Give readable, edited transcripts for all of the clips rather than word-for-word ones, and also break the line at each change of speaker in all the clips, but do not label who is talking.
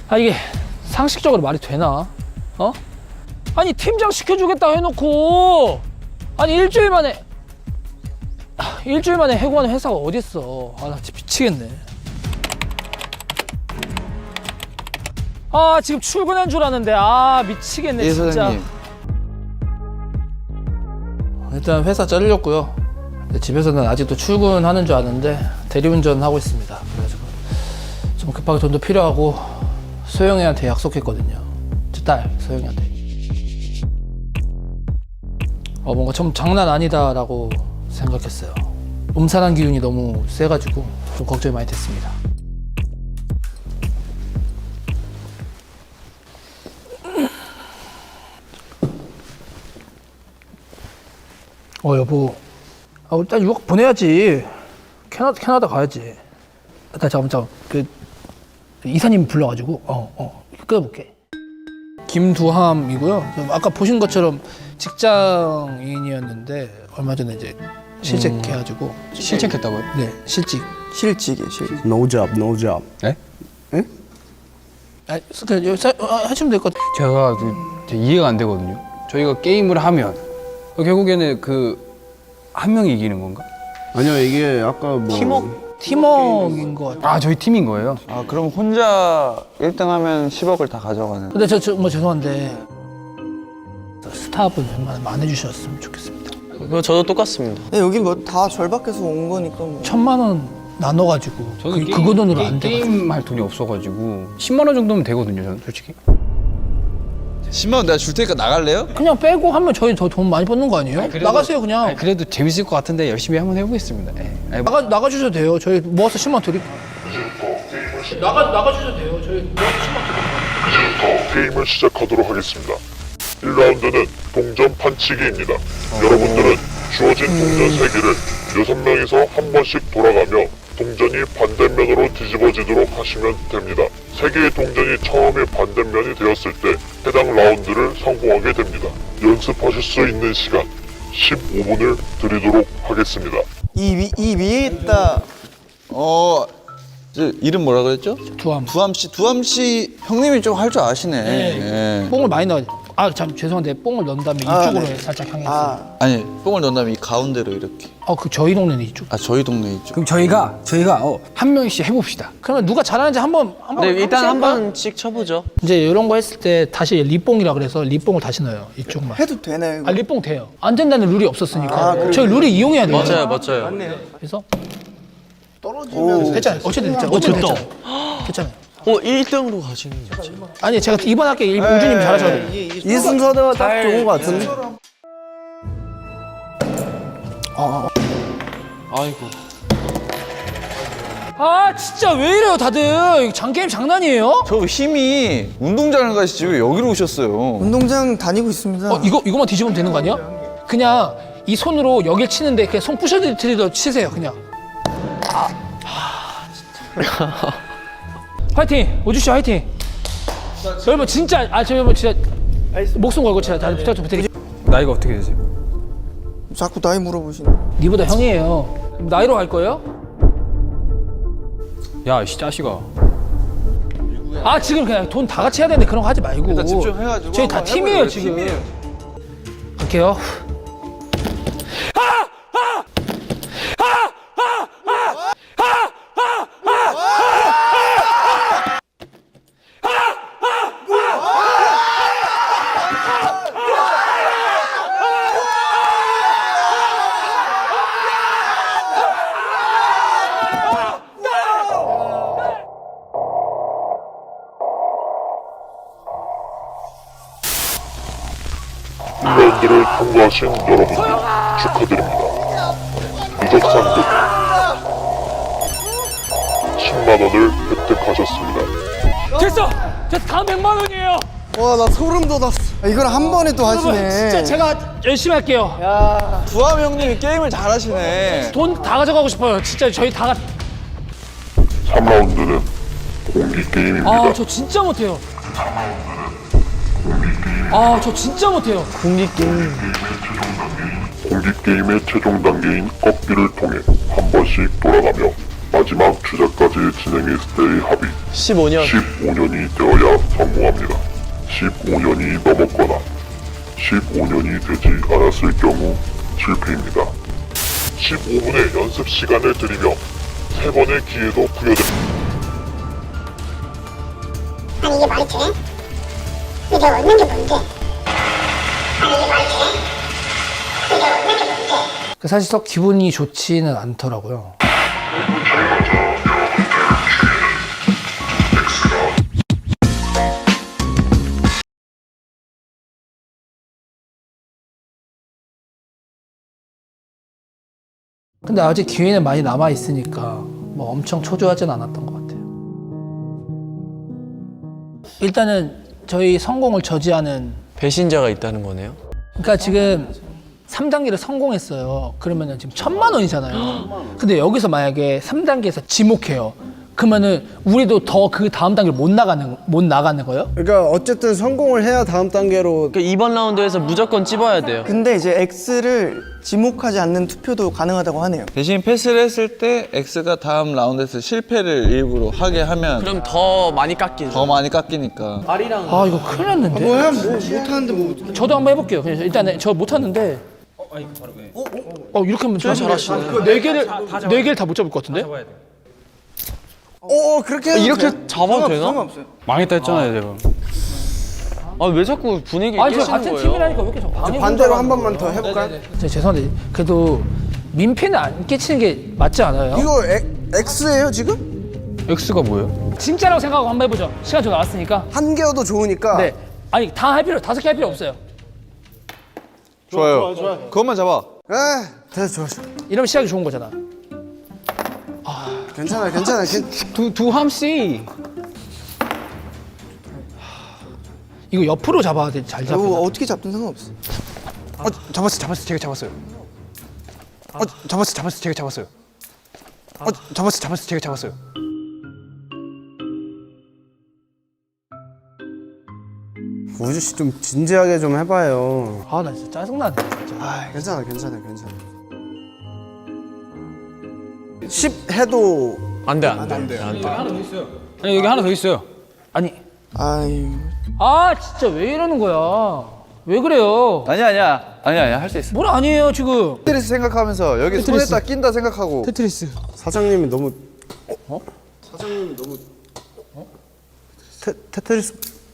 아 이게 상식적으로 말이 되나? 어? 아니 팀장 시켜주겠다 해놓고 아니 일주일 만에 해고하는 회사가 어딨어. 아 나 진짜 미치겠네. 아 지금 출근한 줄 아는데 아 미치겠네
예,
진짜.
사장님.
일단 회사 잘렸고요. 집에서는 아직도 출근하는 줄 아는데 대리운전 하고 있습니다. 그래가지고 좀 급하게 돈도 필요하고 소영이한테 약속했거든요. 제 딸 소영이한테. 뭔가 좀 장난 아니다라고 생각했어요. 음산한 기운이 너무 세가지고 좀 걱정이 많이 됐습니다. 여보, 일단 유학 보내야지. 캐나다 가야지. 잠깐 그 이사님 불러가지고 끊어볼게. 김두함이고요. 아까 보신 것처럼 직장인이었는데 얼마 전에 이제 실직해가지고.
실직했다고요?
네, 실직.
실직이에요, 실직.
No job, no job.
네?
하시면 될 것 같아요.
제가 이해가 안 되거든요. 저희가 게임을 하면 결국에는 그 한 명이 이기는 건가?
아니요, 이게 아까 뭐
팀워크인 것 같아요.
아 저희 팀인 거예요?
아, 그럼 혼자 1등 하면 10억을 다 가져가는.
근데 뭐 죄송한데 스탑을 웬만하면 안 해주셨으면 좋겠습니다.
그거 저도 똑같습니다.
네, 여기 뭐 다 절박해서 온 거니까 뭐.
1,000만 원 나눠가지고 그거 돈으로 안 돼.
게임 할 돈이 없어가지고 10만 원 정도면 되거든요, 저는 솔직히.
10만 원 내가 줄 테니까 나갈래요?
그냥 빼고 하면 저희 더 돈 많이 버는 거 아니에요? 나가세요 그냥.
아니, 그래도 재밌을 것 같은데 열심히 한번 해보겠습니다. 네. 아니,
나가주셔도 돼요. 저희 모아서 10만 원 드릴게요. 나가주셔도 돼요. 저희 모아서 10만 원 드릴게요.
이제부터 게임을 시작하도록 하겠습니다. 1라운드는 동전 판치기입니다. 여러분들은 주어진 동전 3개를 6명이서 한 번씩 돌아가며 동전이 반대면으로 뒤집어지도록 하시면 됩니다. 3개의 동전이 처음에 반대면이 되었을 때 해당 라운드를 성공하게 됩니다. 연습하실 수 있는 시간 15분을 드리도록 하겠습니다.
이 위에 있다.
이름 뭐라 그랬죠?
두함.
두함 씨 형님이 좀 할 줄 아시네. 예.
뽕을 많이 넣어야 돼. 참 죄송한데 뽕을 넣은 다음에 이쪽으로
네.
살짝 향해서.
아니, 뽕을 넣은 다음에 이 가운데로 이렇게.
그 저희 동네는 이쪽.
아, 저희 동네 있죠.
그럼 저희가 한 명씩 해봅시다.
그러면 누가 잘하는지 한번
네, 일단 한
해볼까요?
번씩 쳐보죠.
이제 이런 거 했을 때 다시 리뽕이라 그래서 리뽕을 다시 넣어요. 이쪽만.
해도 되나요? 이거?
리뽕 돼요. 안 된다는 룰이 없었으니까. 저희 룰이 이용해야 돼요.
맞아요.
그래서 됐잖아요. 어쨌든 됐잖아요. 됐잖아요.
1등으로 가시는 거죠.
아니 제가 이번 학기에 우주님 잘하셔야 돼요.
이 순서대가 딱 좋은 거 같은데.
아이고.
진짜 왜 이래요 다들. 이거 장게임 장난이에요?
저 힘이 운동장을 가시지 왜 여기로 오셨어요?
운동장 다니고 있습니다.
이거만 뒤집으면 되는 거 아니야? 그냥 이 손으로 여길 치는데 그냥 손 부셔드리듯 치세요 그냥. 진짜. 화이팅! 오주씨 화이팅! 여러분 진짜 여러분 진짜 목숨 걸고 진짜 다들 부탁 좀 드릴게요.
나이가 어떻게 되세요?
자꾸 나이 물어보시네.
니보다 형이에요. 나이로 갈 거예요?
야, 이 자식아.
지금 그냥 돈 다 같이 해야 되는데 그런 거 하지 말고.
일단 집중해가지고
저희 다
한번
팀이에요
해보려고,
지금.
팀이에요.
갈게요.
라운드를 통과하신 여러분들 축하드립니다. 누적 상금 10만 원을 획득하셨습니다.
됐어! 다음 100만 원이에요.
와, 나 소름 돋았어. 이걸 한 번에 또 하시네.
진짜 제가 열심히 할게요.
두함 형님이 게임을 잘하시네.
돈 다 가져가고 싶어요. 진짜 저희 다
3라운드는 공기 게임입니다.
저 진짜 못해요. 저 진짜 못해요.
공기 게임의 최종 단계인 꺾기를 통해 한 번씩 돌아가며 마지막 투자까지 진행했을 때의 합의
15년.
15년이 되어야 성공합니다. 15년이 넘었거나 15년이 되지 않았을 경우 실패입니다. 15분의 연습 시간을 드리며 3번의 기회도 부여됩니다.
아니 이게 말이 돼? 이게 내가 얻는 게 뭔데? 아니 이게 말이 돼? 이게 내가 얻는 게 뭔데?
사실 썩 기분이 좋지는 않더라고요. 근데 아직 기회는 많이 남아 있으니까 뭐 엄청 초조하진 않았던 것 같아요. 일단은 저희 성공을 저지하는,
배신자가 있다는 거네요.
그러니까 지금 3단계를 성공했어요. 그러면은 지금 1,000만 원이잖아요. 근데 여기서 만약에 3단계에서 지목해요. 그러면은 우리도 더 그 다음 단계를 못 나가는 거예요?
그러니까 어쨌든 성공을 해야 다음 단계로.
그 이번 라운드에서 무조건 찝어야 돼요.
근데 이제 X를 지목하지 않는 투표도 가능하다고 하네요.
대신 패스를 했을 때 X가 다음 라운드에서 실패를 일부러 하게 하면
그럼 더 많이 깎이죠.
더 많이 깎이니까.
아 이거 큰일 났는데.
뭐야 뭐 못하는데 뭐.
저도 한번 해볼게요. 그냥 일단 저 못하는데. 이렇게 하면 잘하시네. 네 개를 다 못 잡을 것 같은데?
그렇게 해도
이렇게
돼요?
잡아도 되나?
상관없어요.
망했다 했잖아요, 제가.
아 왜 자꾸 분위기
아니 저
깨시는
같은
거예요?
팀이라니까 왜 이렇게 저 방해
반대로 한 번만 더 해볼까요?
죄송한데 그래도 민폐는 안 끼치는 게 맞지 않아요?
이거 X예요 지금?
X가 뭐예요?
진짜라고 생각하고 한번 해보죠. 시간 좀 나왔으니까.
한 개여도 좋으니까.
네. 아니 다 할 필요, 5개 할 필요 없어요.
좋아요. 그것만 잡아.
됐어 좋아.
이러면 시작이 좋은 거잖아.
괜찮아.
두 함씨.
이거 옆으로 잡아야 돼. 잘 잡아.
이거 어떻게 잡든 상관없어.
잡았어요. 제가 잡았어요. 제가 잡았어요. 제가 잡았어요.
우주 씨 좀 진지하게 좀 해봐요.
아 나 진짜 짜증나네. 진짜.
괜찮아. 10 해도
안 돼.
아니 여기 하나 더 있어요.
아니
아유.
진짜 왜 이러는 거야? 왜 그래요?
아니야. 할 수 있어.
뭘 아니에요 지금.
테트리스 생각하면서 여기 손에다 낀다 생각하고.
테트리스.
사장님이 너무. 사장님이 너무. 테트리스.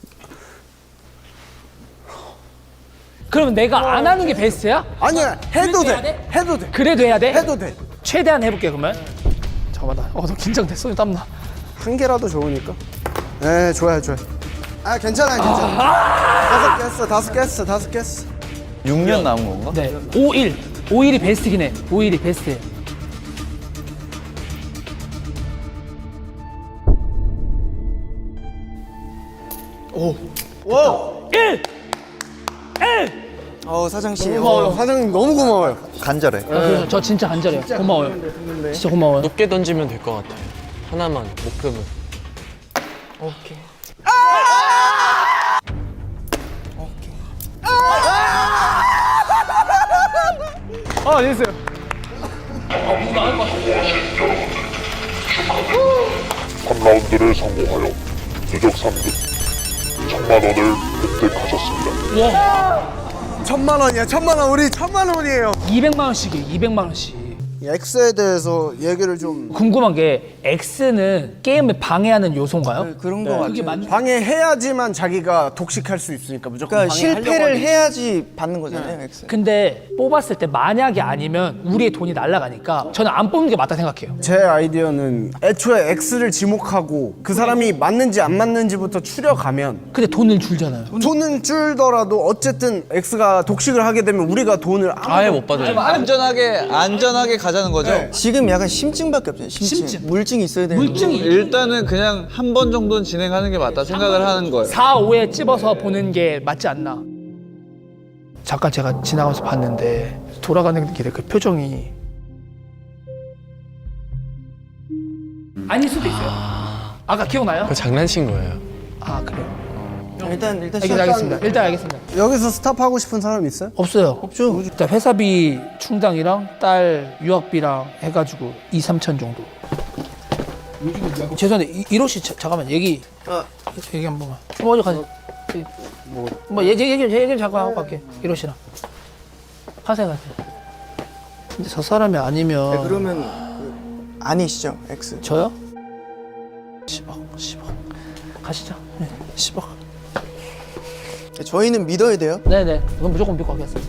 그러면 내가 안 하는 게 베스트야?
아니야 해도
그래도 해야
돼.
돼?
해도 돼.
그래도 해야 돼?
해도 돼.
최대한 해볼게 그러면. 잠깐만 나. 너 긴장돼. 손이 땀나.
한 개라도 좋으니까. 네 좋아요. 괜찮아. 다섯 개 했어.
6년 남은 건가?
네. 5일. 5일이 베스트긴 해. 5일이 베스트예요.
와.
1.
사장 씨.
사장님 너무 고마워요.
간절해.
그래서 저 진짜 간절해요. 고마워요. 진짜 고마워요.
높게 던지면 될 것 같아요. 하나만 목표는.
됐어요.
3라운드를 성공하여 누적 3등 1,000만 원을 획득하셨습니다.
1,000만 원이야. 1,000만 원. 우리 1,000만 원이에요.
200만 원씩이에요. 200만 원씩.
X에 대해서 얘기를 좀
궁금한 게 X는 게임을 방해하는 요소인가요?
그런 거
그게
같아요.
방해해야지만 자기가 독식할 수 있으니까 무조건
그러니까
방해하려고
실패를
하지.
해야지 받는 거잖아요. X.
근데 뽑았을 때 만약에 아니면 우리의 돈이 날아가니까 저는 안 뽑는 게 맞다 생각해요.
제 아이디어는 애초에 X를 지목하고 그 사람이 맞는지 안 맞는지부터 추려가면
근데 돈을 줄잖아요.
돈은 줄더라도 어쨌든 X가 독식을 하게 되면 우리가 돈을
아예 못 받아요.
안전하게 가자는 거죠?
지금 약간 심증밖에 없어요. 심증. 물증이 있어야 되는
물증이
일단은 그냥 한 번 정도는 진행하는 게 맞다 생각을 하는 거예요.
4, 5에 찝어서 보는 게 맞지 않나. 잠깐 제가 지나가면서 봤는데 돌아가는 길에 그 표정이 아닐 수도 있어요. 아까 기억나요?
그거 장난친 거예요.
아 그래요.
일단
알겠습니다. 일단 알겠습니다.
여기서 스탑하고 싶은 사람 있어요?
없어요. 없죠. 일단 회사비 충당이랑 딸 유학비랑 해가지고 2, 3천 정도. 죄송한데 이로 씨 잠깐만 얘기 한 번만. 먼저 가자. 뭐 얘기 잠깐 하고 갈게. 이로 씨랑 하세요. 근데 저 사람이 아니면
그러면 아니시죠, X?
저요? 10억 가시죠. 네, 10억.
저희는 믿어야 돼요.
네네. 그건 무조건 믿고 가겠습니다.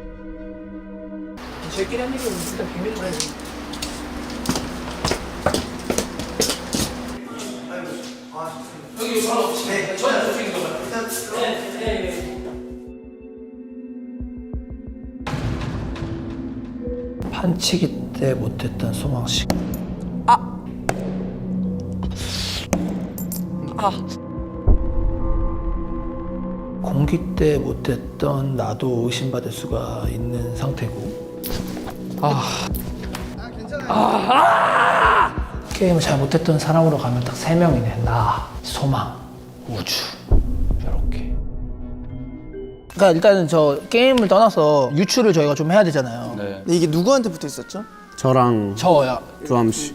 저희끼리 한 얘기는 일단 비밀로 해야지. 여기 바로 네, 저희 저쪽인 거만. 네. 판치기 때 못했던 소망식. 공기 때 못했던 나도 의심받을 수가 있는 상태고. 게임을 잘 못했던 사람으로 가면 딱 3명이네. 나, 소망, 우주. 이렇게. 그러니까 일단은 저 게임을 떠나서 유추를 저희가 좀 해야 되잖아요.
네.
근데 이게 누구한테 붙어 있었죠?
저랑
저야.
주함 씨.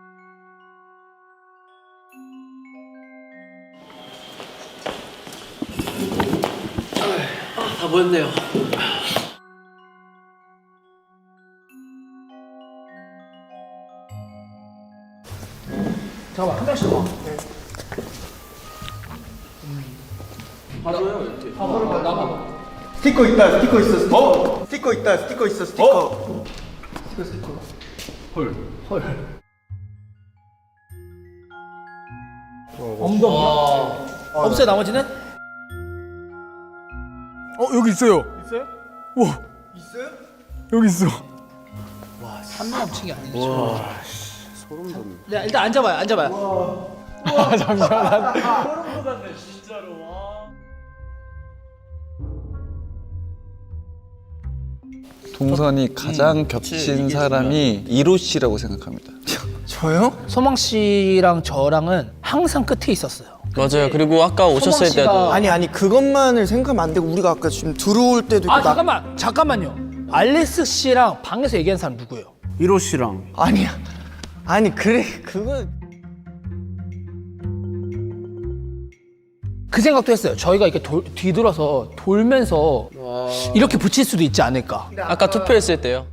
다 보였네요. 잠깐만 한 명씩 와.
스티커 있다, 스티커 있어, 스티커. 스티커 있다, 스티커 있어, 스티커.
엉덩이요? 없어요 나머지는?
여기 있어요. 있어요? 와. 있어요? 여기 있어.
한명치기 아니죠. 소름 돋네. 네 일단 앉아봐요.
동선이 가장 겹친 사람이 이로 씨라고 생각합니다.
저요?
소망 씨랑 저랑은 항상 끝에 있었어요.
맞아요. 그리고 아까 오셨을
소망 씨가-
때도
아니 그것만을 생각하면 안 되고 우리가 아까 지금 들어올 때도 있고
잠깐만요. 알렉스 씨랑 방에서 얘기한 사람 누구예요?
1호 씨랑
아니야. 아니 그래 그거
그 생각도 했어요. 저희가 이렇게 뒤돌아서 돌면서 이렇게 붙일 수도 있지 않을까.
아까 투표했을 때요.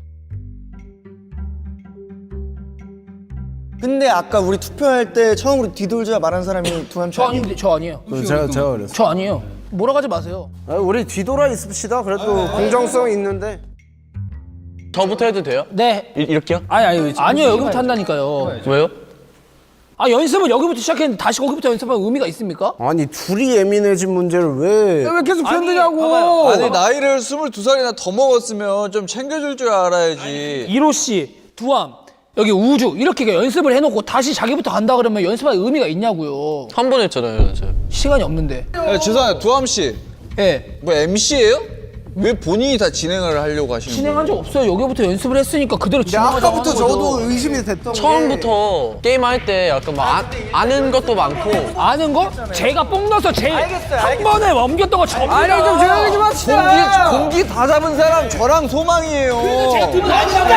근데 아까 우리 투표할 때 처음으로 뒤돌자 말한 사람이 두함
저 아닌데 저 아니에요.
제가 그랬어요.
저 아니에요. 몰아가지 마세요.
우리 뒤돌아 있읍시다. 그래도 공정성 있는데.
저부터 해도 돼요?
네.
이렇게요?
아니요 여기부터 한다니까요.
왜요?
연습을 여기부터 시작했는데 다시 거기부터 연습하면 의미가 있습니까?
아니 둘이 예민해진 문제를 왜 계속 편드냐고.
아니 나이를 22살이나 더 먹었으면 좀 챙겨줄 줄 알아야지.
이로 씨, 두함, 여기 우주 이렇게 연습을 해놓고 다시 자기부터 간다 그러면 연습할 의미가 있냐고요.
한 번 했잖아요, 저.
시간이 없는데.
죄송해요, 두함 씨.
예.
뭐 MC예요? 왜 본인이 다 진행을 하려고 하시는 거예요?
진행한 적 없어요. 여기부터 연습을 했으니까 그대로
근데
진행하자고
아까부터
하는 거죠.
저도 의심이 됐던 게
처음부터 게임할 때 약간 막 아는 것도 많고
아는 거? 제가 뽕 넣어서 제일 한 번에 넘겼던 거 접니다.
아니 좀 조용히 좀 합시다.
공기 다 잡은 사람 저랑 소망이에요.
제가 두분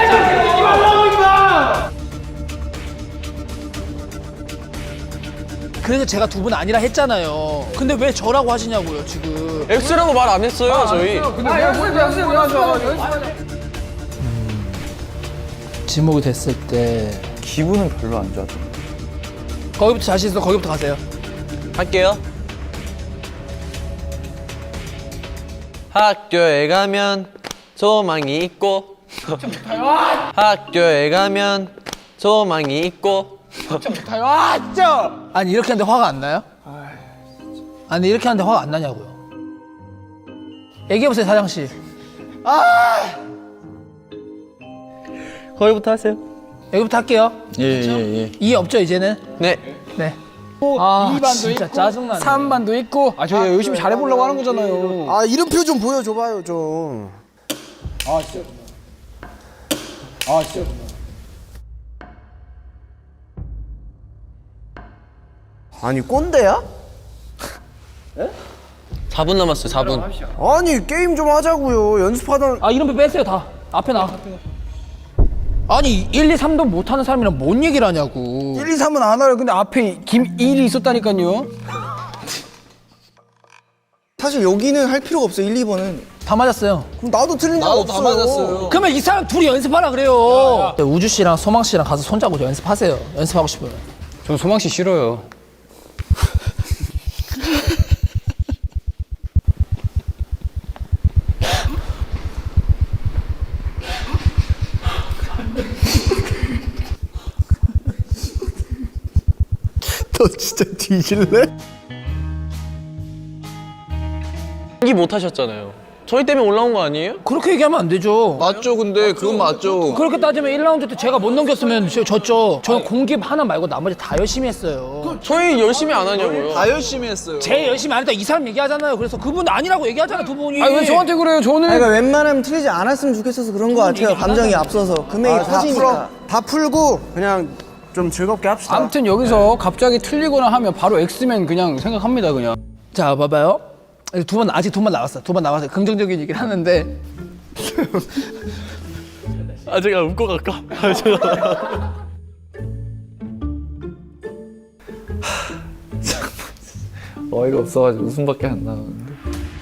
아니라 그래서 제가 두 분 아니라 했잖아요. 근데 왜 저라고 하시냐고요 지금.
X라고 말 안 했어요, 저희.
지목이 됐을 때
기분은 별로 안 좋았던
거기부터 자신 있어. 거기부터 가세요.
할게요. 학교에 가면 소망이 있고 학교에 가면 소망이 있고
아니 이렇게 하는데 화가 안 나요? 아니 이렇게 하는데 화가 안 나냐고요. 얘기해보세요 사장씨.
거기부터 하세요.
여기부터 할게요.
예.
이 없죠 이제는?
네.
네. 아 진짜 짜증나네.
3반도 있고. 아 저희 열심히 잘해보려고 하는 거잖아요.
아 이름표 좀 보여줘봐요 좀. 아니 꼰대야?
4분 남았어요, 4분.
아니 게임 좀 하자고요. 연습하던.
아 이름표 빼세요 다. 앞에 나. 아니 1, 2, 3도 못하는 사람이랑 뭔 얘기를 하냐고.
1, 2,
1, 2, 3은 안 와요. 근데 앞에 김1이 있었다니까요.
사실 여기는 할 필요가 없어. 1, 2번은.
다 맞았어요.
그럼 나도 틀린 적 없어요.
그러면 이 사람 둘이 연습하라 그래요. 우주 씨랑 소망 씨랑 가서 손잡고 연습하세요. 연습하고 싶으면.
전 소망 씨 싫어요.
너 진짜 뒤질래?
연기 못 하셨잖아요. 저희 때문에 올라온 거 아니에요?
그렇게 얘기하면 안 되죠.
맞죠? 근데 그건 맞죠.
그렇게 따지면 1라운드 때 제가 못 넘겼으면 졌죠. 저 공기 하나 말고 나머지 다 열심히 했어요.
저희 열심히 안 하냐고요.
다 열심히 했어요.
제일 열심히 안 했다 이 사람 얘기하잖아요. 그래서 그분 아니라고 얘기하잖아 두 분이.
아니 왜 저한테 그래요? 저는
그러니까 웬만하면 틀리지 않았으면 좋겠어서 그런 거 같아요. 감정이 앞서서 금액이 커지니까.
다 풀고 그냥 좀 즐겁게 합시다.
아무튼 여기서 갑자기 틀리거나 하면 바로 엑스맨 그냥 생각합니다 그냥.
자 봐봐요. 아직 두 번 남았어. 두 번 남았어요. 긍정적인 얘기를 하는데.
아 제가 웃고 갈까?
어이가 없어가지고 웃음밖에 안 나오는데.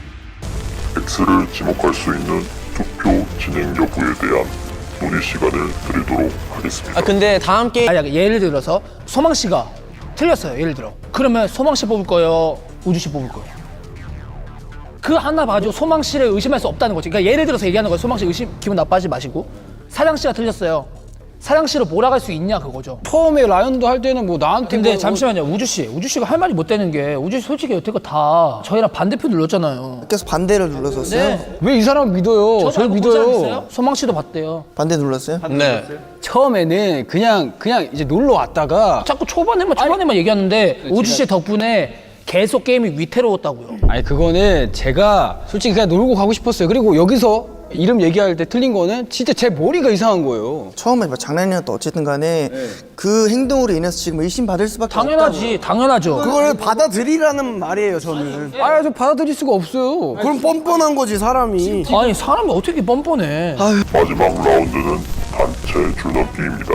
X를 지목할 수 있는 투표 진행 여부에 대한 논의 시간을 드리도록 하겠습니다.
아 근데 다음 게임
아니 예를 들어서 소망 씨가 틀렸어요. 예를 들어. 그러면 소망 씨 뽑을 거예요. 우주 씨 뽑을 거예요. 그 하나 봐가지고 소망 씨를 의심할 수 없다는 거지. 그러니까 예를 들어서 얘기하는 거예요. 소망 씨 기분 나빠하지 마시고. 사장 씨가 틀렸어요. 사장 씨를 몰아갈 수 있냐 그거죠.
처음에 라이언도 할 때는 뭐 나한테
근데
뭐
잠시만요. 우주 씨가 할 말이 못 되는 게 우주 씨 솔직히 여태껏 다 저희랑 반대표 눌렀잖아요.
계속 반대를 눌렀었어요.
왜 이 사람 믿어요? 저를 믿어요.
소망 씨도 봤대요.
반대 눌렀어요?
네.
처음에는 그냥 이제 놀러 왔다가
자꾸 초반에만 얘기하는데 우주 씨 덕분에 계속 게임이 위태로웠다고요.
아니 그거는 제가 솔직히 그냥 놀고 가고 싶었어요. 그리고 여기서 이름 얘기할 때 틀린 거는 진짜 제 머리가 이상한 거예요.
처음에 뭐 장난이었다 어쨌든 간에 그 행동으로 인해서 지금 의심받을 수밖에
당연하죠.
그걸 받아들이라는 말이에요, 저는.
아, 저 받아들일 수가 없어요.
그럼 뻔뻔한 거지, 사람이.
아니 사람이 어떻게 뻔뻔해.
마지막 라운드는 단체 줄넘기입니다.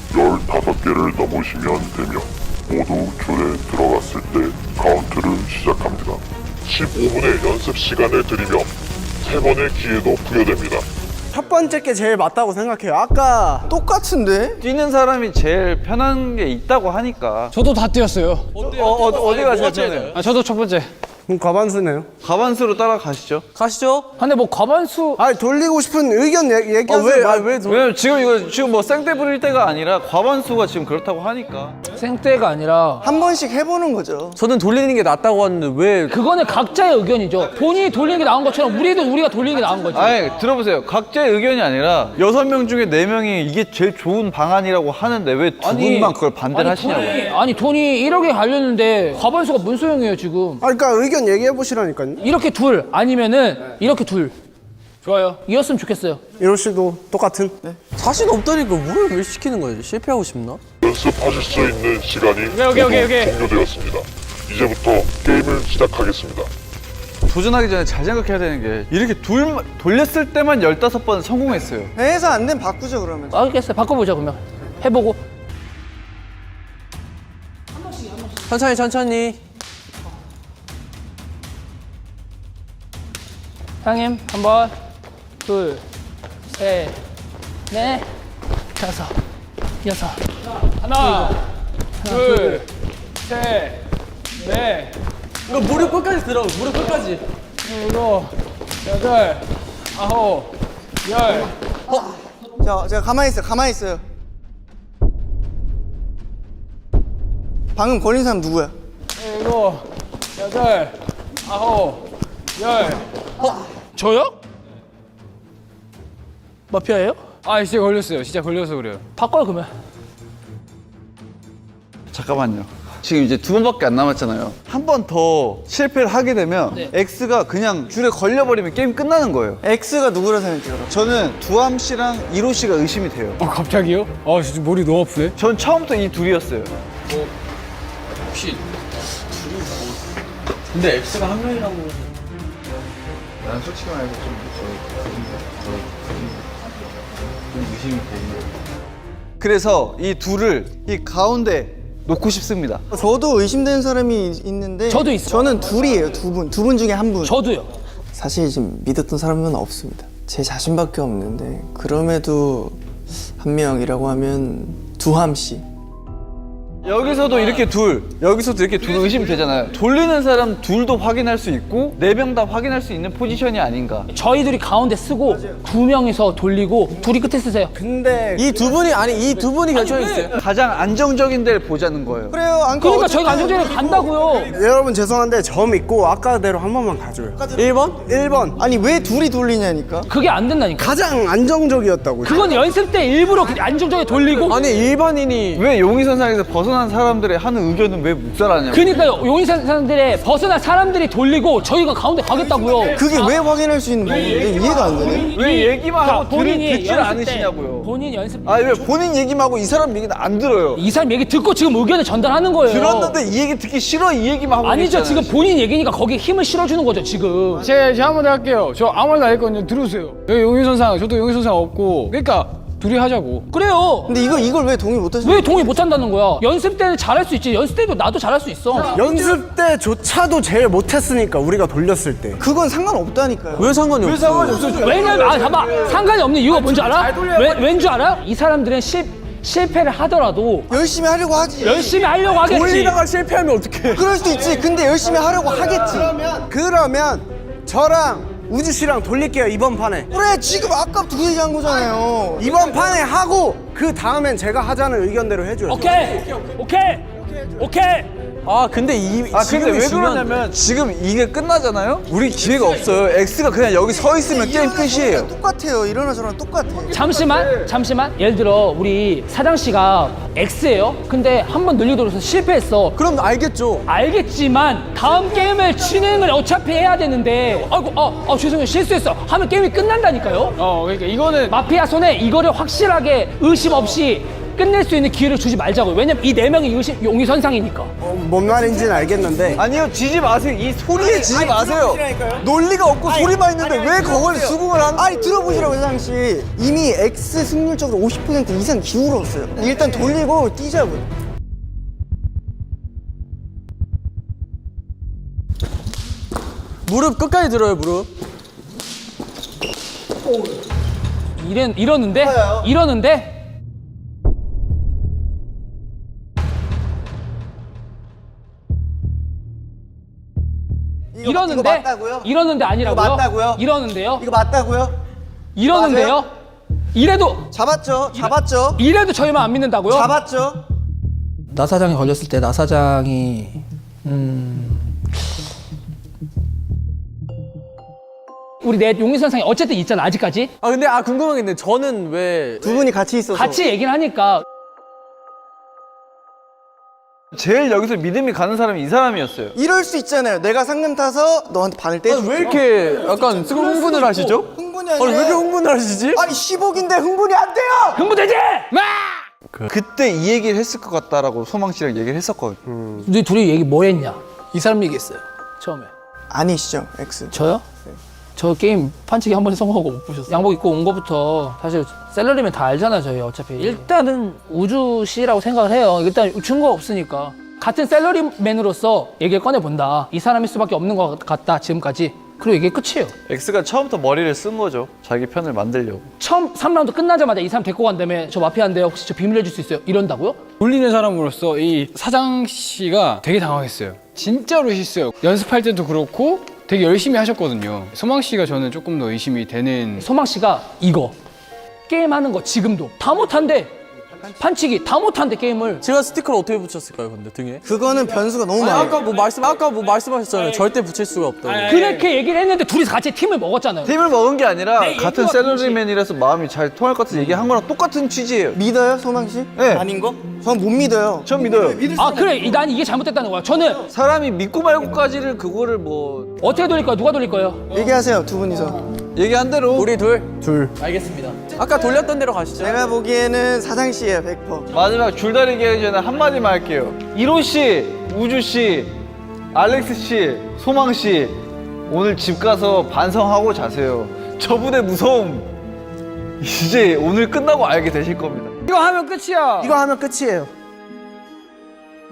15개를 넘으시면 되며 모두 줄에 들어갔을 때 카운트를 시작합니다. 15분의 연습 시간을 드리며 3번의 기회도 부여됩니다.
첫 번째 게 제일 맞다고 생각해요. 아까
똑같은데?
뛰는 사람이 제일 편한 게 있다고 하니까.
저도 다 뛰었어요.
어디가 제일 편해요?
아, 저도 첫 번째.
그럼 과반수네요.
가반수로 따라가시죠.
가시죠.
근데 뭐 과반수
아니, 돌리고 싶은 의견 얘기하세요.
왜냐면 지금 뭐 쌩떼 부릴 때가 아니라 과반수가 지금 그렇다고 하니까.
생때가 아니라
한 번씩 해보는 거죠.
저는 돌리는 게 낫다고 하는데 왜
그거는 각자의 의견이죠. 본인이 돌리는 게 나은 것처럼 우리가 돌리는 게 나은 거지.
아니 들어보세요. 각자의 의견이 아니라 6명 중에 4명이 이게 제일 좋은 방안이라고 하는데 왜 두 분만 그걸 반대를 하시냐고요.
돈이 1억에 갈렸는데 과반수가 뭔 소용이에요 지금.
그러니까 의견 얘기해 보시라니까요.
이렇게 둘 아니면은 이렇게 둘. 좋아요. 이었으면 좋겠어요.
이럴 씨도 똑같은.
자신 없다니까 뭘 왜 시키는 거예요? 실패하고 싶나?
연습하실 수 있는 시간이 모두 종료되었습니다. 이제부터 게임을 시작하겠습니다.
도전하기 전에 잘 생각해야 되는 게 이렇게 돌렸을 때만 15번 성공했어요.
해서 안 되면 바꾸죠 그러면.
알겠어요. 바꿔보자 그러면. 해보고.
천천히.
형님 한 번, 둘, 셋, 넷, 다섯, 여섯. 하나, 둘, 셋, 넷,
이거 무릎 끝까지 들어. 무릎 끝까지.
일곱, 여덟, 아홉, 열.
자, 제가 가만히 있어요. 방금 걸린 사람 누구야?
일곱, 여덟, 아홉, 열. 저요? 마피아예요?
아, 진짜 걸렸어요. 진짜 걸려서 그래요.
바꿔요 그러면.
잠깐만요. 지금 이제 2번밖에 안 남았잖아요. 한 번 더 실패를 하게 되면 X가 그냥 줄에 걸려버리면 게임 끝나는 거예요.
X가 누구라 생각해요?
저는 두함 씨랑 이로 씨가 의심이 돼요.
갑자기요? 아, 진짜 머리 너무 아프네.
전 처음부터 이 둘이었어요.
근데 X가 한 명이라고.
난 솔직히 말해서 좀 의심이 되는. 그래서 이 둘을 이 가운데 놓고 싶습니다.
저도 의심되는 사람이 있는데
저도 있어요.
저는 둘이에요. 두 분 중에 한 분.
저도요.
사실 지금 믿었던 사람은 없습니다. 제 자신밖에 없는데 그럼에도 한 명이라고 하면 두함 씨.
여기서도 이렇게 여기서도 이렇게 둘 의심이 되잖아요. 돌리는 사람 둘도 확인할 수 있고 4명 다 확인할 수 있는 포지션이 아닌가.
저희 둘이 가운데 쓰고 2명이서 돌리고 둘이 끝에 쓰세요.
근데
이 두 분이 결정했어요.
가장 안정적인 데를 보자는 거예요.
그래요.
그러니까 저희가 안정적으로 간다고요.
여러분 죄송한데 저 믿고 아까대로 한 번만 가줘요. 1번?
아니 왜 둘이 돌리냐니까.
그게 안 된다니까.
가장 안정적이었다고요.
그건 연습 때 일부러 안정적으로 돌리고.
아니 일반인이
왜 용의선상에서 벗어난 사람들의 하는 의견은 왜 묵살하냐고.
그러니까요. 용의선상들의 벗어난 사람들이 돌리고 저희가 가운데 가겠다고요.
그게 왜 확인할 수 있는 방법인데 이해가 안 되네.
왜 얘기만 하고
본인이
듣질
연습 때
않으시냐고요.
본인 연습 때
아니 왜 본인 얘기만 하고 이 사람 얘기는 안 들어요.
이 사람 얘기 듣고 지금 의견을 전달하는 거예요.
들었는데 이 얘기 듣기 싫어 이 얘기만 하고
아니죠.
계시잖아요.
지금 본인 얘기니까 거기에 힘을 실어주는 거죠 지금.
제가 한번 할게요. 저 아무 말도 안 했거든요. 들으세요. 여기 용의선상, 저도 용의선상 없고. 그러니까 둘이 하자고.
그래요.
근데 이걸 왜 동의 못 하시는
왜 동의 못 한다는 거야? 연습 때는 잘할 수 있지. 연습 때도 나도 잘할 수 있어.
연습 때조차도 제일 못했으니까 우리가 돌렸을 때.
그건 상관없다니까요.
왜 상관이 없어?
왜냐면 잠깐 상관이 없는 이유가 뭔지 알아? 왠줄 알아? 이 사람들은 실패를 하더라도
열심히 하려고 하지.
열심히 하려고 하겠지.
돌리다가 실패하면 어떡해?
그럴 수도 있지. 근데 열심히 하려고 하겠지.
그러면 저랑 우주 씨랑 돌릴게요 이번 판에.
그래 지금 아까 둘이 한 거잖아요.
이번 판에 하고 그 다음엔 제가 하자는 의견대로 해줘요.
오케이.
아 근데
근데 왜 그러냐면 지금 이게 끝나잖아요? 우리 기회가 없어요. X가 그냥 여기 서 있으면 게임 끝이에요.
똑같아요. 이러나 저러나 똑같아.
잠시만. 예를 들어 우리 사장 씨가 X예요. 근데 한 번 늘리도록 실패했어.
그럼 알겠죠.
알겠지만 다음 게임을 진행을 어차피 해야 되는데 아이고 죄송해요 실수했어 하면 게임이 끝난다니까요.
그러니까 이거는
마피아 손에 이거를 확실하게 의심 없이 끝낼 수 있는 기회를 주지 말자고요. 왜냐면 이 4명이 용의선상이니까.
뭔 말인지는 알겠는데
아니요 지지 마세요. 이 소리에 지지 마세요. 논리가 없고 소리만 있는데 왜 그걸 수긍을 하는
아니 들어보시라고 사장 씨. 이미 X 승률적으로 50% 이상 기울었어요. 일단 돌리고 뛰자고요.
무릎 끝까지 들어요 무릎.
이러는데
이거 맞다고요?
이러는데 아니라고요?
이거 맞다고요?
이러는데요?
이거 맞다고요?
이러는데요? 이래도
잡았죠?
저희만 안 믿는다고요?
잡았죠?
나 사장이 걸렸을 때 나 사장이 우리 내 용의선상에 어쨌든 있잖아 아직까지.
아 근데 궁금한 게 있는데 저는 왜
두 분이 같이 있어서.
같이 얘기를 하니까
제일 여기서 믿음이 가는 사람이 이 사람이었어요.
이럴 수 있잖아요. 내가 상금 타서 너한테 반을 떼줘.
왜 이렇게 약간 흥분을 하시죠?
흥분이 아니라.
아니 왜 이렇게 흥분을 하시지?
아니 10억인데 흥분이 안 돼요.
흥분되지? 마!
그때 이 얘기를 했을 것 같다라고 소망 씨랑 얘기를 했었거든요.
너희 둘이 얘기 뭐 했냐? 이 사람 얘기했어요 처음에.
아니시죠, X.
저요? 저 게임 판치기 한 번에 성공하고 못 보셨어요. 양복 입고 온 거부터 사실 셀러리면 다 알잖아요 저희 어차피. 일단은 우주 씨라고 생각을 해요. 일단 증거가 없으니까. 같은 셀러리맨으로서 얘기를 꺼내본다. 이 사람일 수밖에 없는 것 같다 지금까지. 그리고 이게 끝이에요.
X가 처음부터 머리를 쓴 거죠. 자기 편을 만들려고.
처음 3라운드 끝나자마자 이 사람 데리고 간 다음에 저 마피아인데 혹시 저 비밀 해줄 수 있어요? 이런다고요?
돌리는 사람으로서 이 사장 씨가 되게 당황했어요. 진짜로 실수요. 연습할 때도 그렇고 되게 열심히 하셨거든요. 소망 씨가 저는 조금 더 의심이 되는.
소망 씨가 이거 게임하는 거 지금도 다 못한대. 판치기 다 못한대 게임을.
제가 스티커를 어떻게 붙였을까요 근데 등에?
그거는 변수가 너무 많아요.
아까 뭐 말씀하셨잖아요. 절대 붙일 수가 없다고.
그렇게 얘기를 했는데 둘이서 같이 팀을 먹었잖아요.
팀을 먹은 게 아니라
네,
같은
얘기와
셀러리맨이라서 마음이 잘 통할 것 같아서 얘기한 거랑 똑같은 취지예요.
믿어요, 소망 씨?
네.
아닌 거? 전 못 믿어요.
전 믿어요.
아 그래 난 이게 잘못됐다는 거야. 저는
사람이 믿고 말고까지를 그거를 뭐
어떻게 돌릴 거야? 누가 돌릴 거예요?
얘기하세요, 두 분이서.
얘기한 대로
우리 둘?
알겠습니다.
아까 돌렸던 대로 가시죠.
제가 보기에는 사장 씨예요, 100%.
마지막 줄다리기 하기 전에 한마디만 할게요. 이로 씨, 우주 씨, 알렉스 씨, 소망 씨 오늘 집 가서 반성하고 자세요. 저분의 무서움 이제 오늘 끝나고 알게 되실 겁니다.
이거 하면 끝이야.
이거 하면 끝이에요.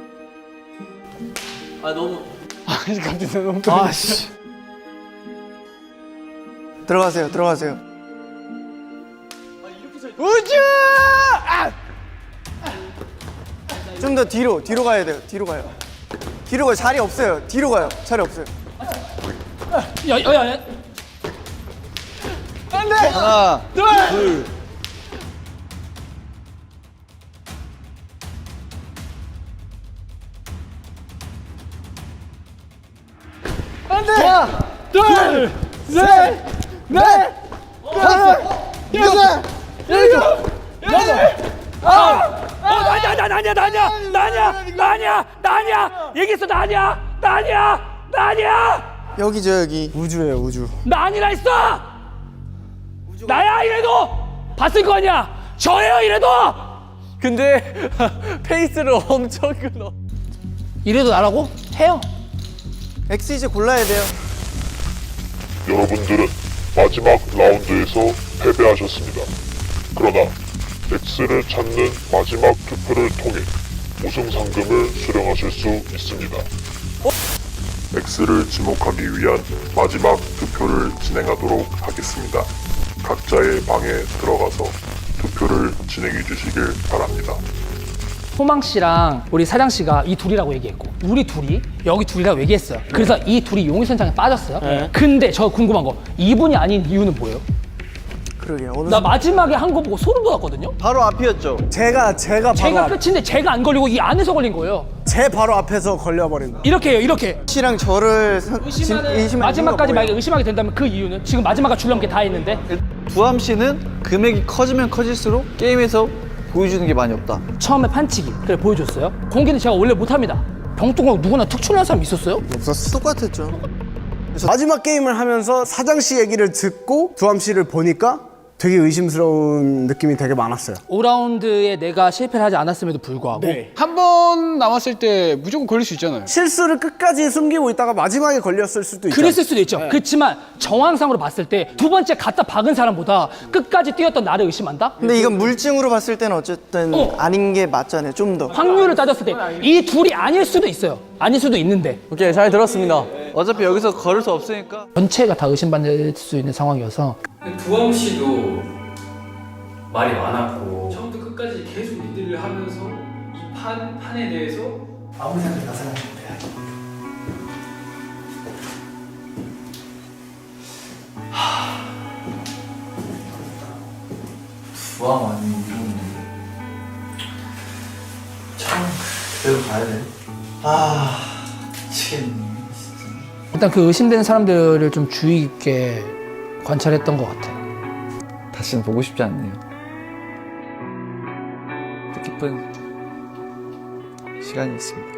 아니 갑자기 너무
아씨.
들어가세요. 들어가세요.
우주!
좀 더 뒤로 가야 돼요. 뒤로 가요. 뒤로 가요. 자리 없어요. 뒤로 가요. 자리 없어요.
야야야.
하나, 둘.
둘, 셋, 넷, 다섯, 여섯, 일곱, 여덟,
나냐 얘기했어 나냐
여기죠, 여기.
우주예요, 우주.
나 아니라 했어 나야 이래도 봤을 거 아니야 저예요 이래도
근데 페이스를 엄청 끊어.
이래도 나라고? 해요.
X 이제 골라야 돼요.
여러분들은 마지막 라운드에서 패배하셨습니다. 그러나 X를 찾는 마지막 투표를 통해 우승 상금을 수령하실 수 있습니다. X를 지목하기 위한 마지막 투표를 진행하도록 하겠습니다. 각자의 방에 들어가서 투표를 진행해 주시길 바랍니다.
소망 씨랑 우리 사장 씨가 이 둘이라고 얘기했고 우리 둘이 여기 둘이라고 얘기했어요 그래서 이 둘이 용의선상에 빠졌어요 근데 저 궁금한 거 이분이 아닌 이유는 뭐예요?
그러게요. 어느
나 마지막에 한 거 보고 소름 돋았거든요
바로 앞이었죠.
제가 바로
제가 끝인데 제가 안 걸리고 이 안에서 걸린 거예요
제 바로 앞에서 걸려버린 거.
이렇게 해요 이렇게
씨랑 저를 의심하는
마지막까지
이유가
만약에 의심하게 된다면 그 이유는 지금 마지막까지 주려는 게 다 했는데
두함 씨는 금액이 커지면 커질수록 게임에서 보여주는 게 많이 없다.
처음에 판치기 그래 보여줬어요 공개는 제가 원래 못합니다 병뚜껑 누구나 툭 출연한 사람 있었어요?
없었어. 똑같았죠.
그래서 마지막 게임을 하면서 사장 씨 얘기를 듣고 두함 씨를 보니까 되게 의심스러운 느낌이 되게 많았어요.
5라운드에 내가 실패를 하지 않았음에도 불구하고
한 번 남았을 때 무조건 걸릴 수 있잖아요.
실수를 끝까지 숨기고 있다가 마지막에 걸렸을 수도 있죠.
그랬을 수도 있죠 그렇지만 정황상으로 봤을 때 두 번째 갖다 박은 사람보다 끝까지 뛰었던 나를 의심한다?
근데 이건 물증으로 봤을 때는 어쨌든 아닌 게 맞잖아요. 좀 더.
확률을 따졌을 때 이 둘이 아닐 수도 있어요 아닐 수도 있는데
오케이, 잘 들었습니다.
어차피 여기서 걸을 수 없으니까.
전체가 다 의심받을 수 있는 상황이어서
두엄 씨도 말이 많았고 처음부터 끝까지 계속 리드를 하면서 이 판에 대해서
아무리 생각해도 나 사람 못해.
두함 아니면 이런데. 참, 그대로 가야 돼. 미치겠네, 진짜.
일단 그 의심되는 사람들을 좀 주의 깊게 관찰했던 것 같아요.
다시는 보고 싶지 않네요. 뜻깊은 시간이 있습니다.